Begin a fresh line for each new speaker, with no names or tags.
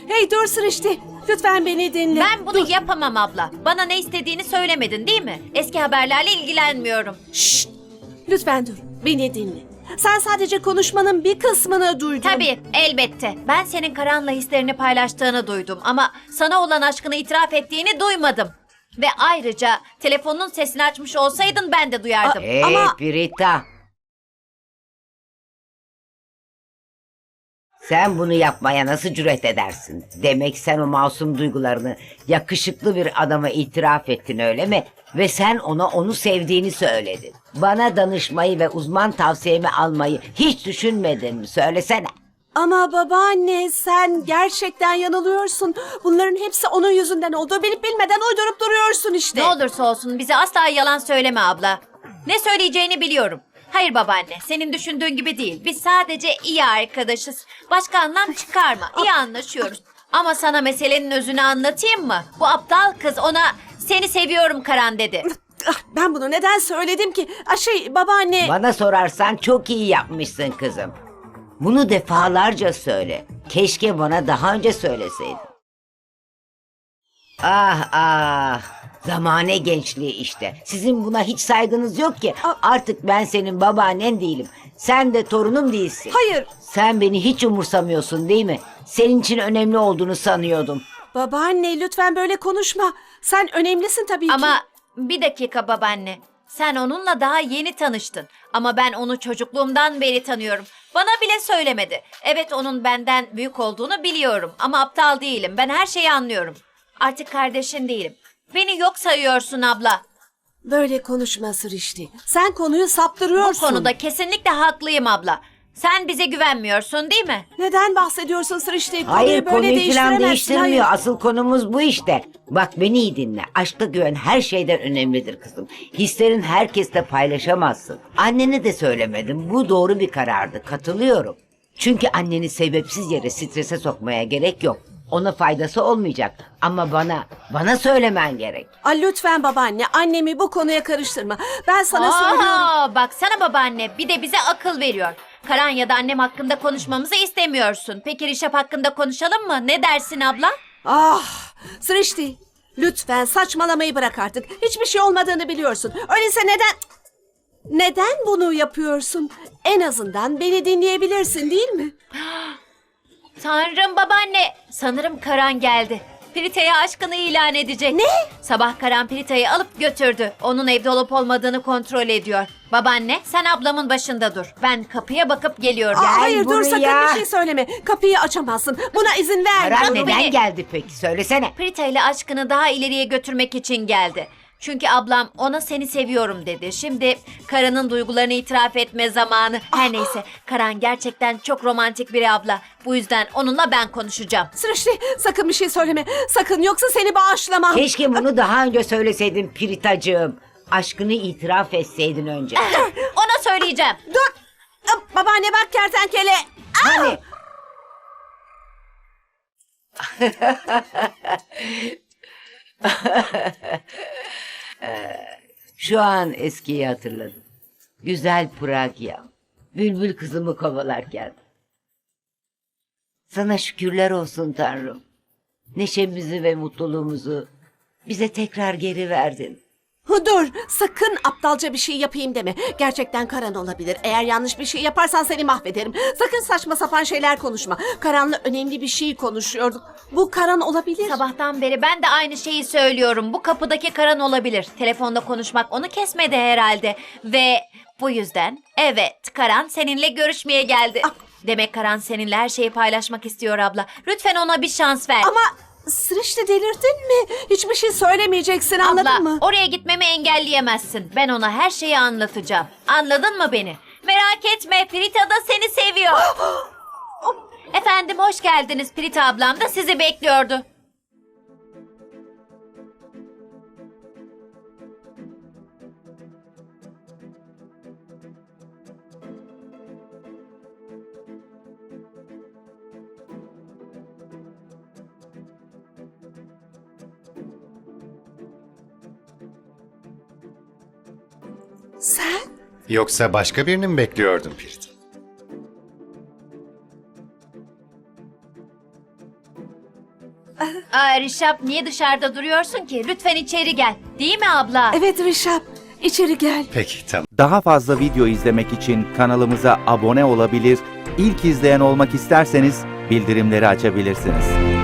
Hey dur Sırıştı. Lütfen beni dinle.
Ben bunu yapamam abla. Bana ne istediğini söylemedin değil mi? Eski haberlerle ilgilenmiyorum.
Şşt! Lütfen dur. Beni dinle. Sen sadece konuşmanın bir kısmını duydun.
Tabii, elbette. Ben senin Karan'la hislerini paylaştığını duydum ama sana olan aşkını itiraf ettiğini duymadım. Ve ayrıca telefonun sesini açmış olsaydın ben de duyardım.
Hey
Ama-
Pirita. Sen bunu yapmaya nasıl cüret edersin? Demek sen o masum duygularını yakışıklı bir adama itiraf ettin öyle mi? Ve sen ona onu sevdiğini söyledin. Bana danışmayı ve uzman tavsiyemi almayı hiç düşünmedin mi? Söylesene.
Ama babaanne sen gerçekten yanılıyorsun. Bunların hepsi onun yüzünden oldu. Bilip bilmeden uydurup duruyorsun işte.
Ne olursa olsun bize asla yalan söyleme abla. Ne söyleyeceğini biliyorum. Hayır babaanne, senin düşündüğün gibi değil. Biz sadece iyi arkadaşız. Başka anlam çıkarma. İyi anlaşıyoruz. Ama sana meselenin özünü anlatayım mı? Bu aptal kız ona seni seviyorum Karan dedi.
Ben bunu neden söyledim ki? Babaanne.
Bana sorarsan çok iyi yapmışsın kızım. Bunu defalarca söyle. Keşke bana daha önce söyleseydin. Ah ah. Zamane gençliği işte. Sizin buna hiç saygınız yok ki. Artık ben senin babaannen değilim. Sen de torunum değilsin.
Hayır.
Sen beni hiç umursamıyorsun değil mi? Senin için önemli olduğunu sanıyordum.
Babaanne lütfen böyle konuşma. Sen önemlisin tabii ki.
Ama bir dakika babaanne. Sen onunla daha yeni tanıştın. Ama ben onu çocukluğumdan beri tanıyorum. Bana bile söylemedi. Evet onun benden büyük olduğunu biliyorum. Ama aptal değilim. Ben her şeyi anlıyorum. Artık kardeşin değilim. Beni yok sayıyorsun abla.
Böyle konuşma Sırıştı. Sen konuyu
Bu
saptırıyorsun.
konuda kesinlikle haklıyım abla. Sen bize güvenmiyorsun değil mi?
Neden bahsediyorsun Sırıştı?
Hayır
Konuyu böyle
konuyu falan
değiştiremezsin.
değiştirmiyor.
Hayır.
Asıl konumuz bu işte. Bak beni iyi dinle. Aşkta güven her şeyden önemlidir kızım. Hislerin herkesle paylaşamazsın. Annene de söylemedim. Bu doğru bir karardı. Katılıyorum. Çünkü anneni sebepsiz yere strese sokmaya gerek yok. Ona faydası olmayacak. Ama bana söylemen gerek.
Lütfen babaanne annemi bu konuya karıştırma. Ben sana söylüyorum.
Baksana babaanne bir de bize akıl veriyor. Karan ya da annem hakkında konuşmamızı istemiyorsun. Peki Rişap hakkında konuşalım mı? Ne dersin abla?
Sırıştı. Lütfen saçmalamayı bırak artık. Hiçbir şey olmadığını biliyorsun. Öyleyse neden bunu yapıyorsun? En azından beni dinleyebilirsin değil mi?
Tanrım babaanne. Sanırım Karan geldi. Pirita'ya aşkını ilan edecek.
Ne?
Sabah Karan Pirita'yı alıp götürdü. Onun evde olup olmadığını kontrol ediyor. Babaanne sen ablamın başında dur. Ben kapıya bakıp geliyorum.
Hayır dur
buraya.
sakın bir şey söyleme. Kapıyı açamazsın. Buna izin ver.
Karar
Dur
neden
beni.
geldi peki? Söylesene.
Prita ile aşkını daha ileriye götürmek için geldi. Çünkü ablam ona seni seviyorum dedi. Şimdi Karan'ın duygularını itiraf etme zamanı. Her neyse Karan gerçekten çok romantik biri abla. Bu yüzden onunla ben konuşacağım.
Sırıştı sakın bir şey söyleme. Sakın yoksa seni bağışlamam.
Keşke bunu daha önce söyleseydin Piritacığım. Aşkını itiraf etseydin önce.
Ona söyleyeceğim.
Dur. Babaanne bak kertenkele.
Hani? Şu an eskiyi hatırladım. Güzel Pragya. Bülbül kızımı kovalarken. Sana şükürler olsun Tanrım. Neşemizi ve mutluluğumuzu bize tekrar geri verdin.
Dur sakın aptalca bir şey yapayım deme. Gerçekten Karan olabilir. Eğer yanlış bir şey yaparsan seni mahvederim. Sakın saçma sapan şeyler konuşma. Karan'la önemli bir şey konuşuyorduk. Bu Karan olabilir.
Sabahtan beri ben de aynı şeyi söylüyorum. Bu kapıdaki Karan olabilir. Telefonda konuşmak onu kesmedi herhalde. Ve bu yüzden evet Karan seninle görüşmeye geldi. Demek Karan seninle her şeyi paylaşmak istiyor abla. Lütfen ona bir şans ver.
Ama Sırıştı delirdin mi? Hiçbir şey söylemeyeceksin anladın
Abla,
mı?
oraya gitmemi engelleyemezsin. Ben ona her şeyi anlatacağım. Anladın mı beni? Merak etme, Prita da seni seviyor. Efendim, hoş geldiniz. Prita ablam da sizi bekliyordu.
Sen?
Yoksa başka birini mi bekliyordun Pirit?
Aa, Rişap niye dışarıda duruyorsun ki? Lütfen içeri gel. Değil mi abla?
Evet Rişap, içeri gel.
Peki tamam.
Daha fazla video izlemek için kanalımıza abone olabilir, ilk izleyen olmak isterseniz bildirimleri açabilirsiniz.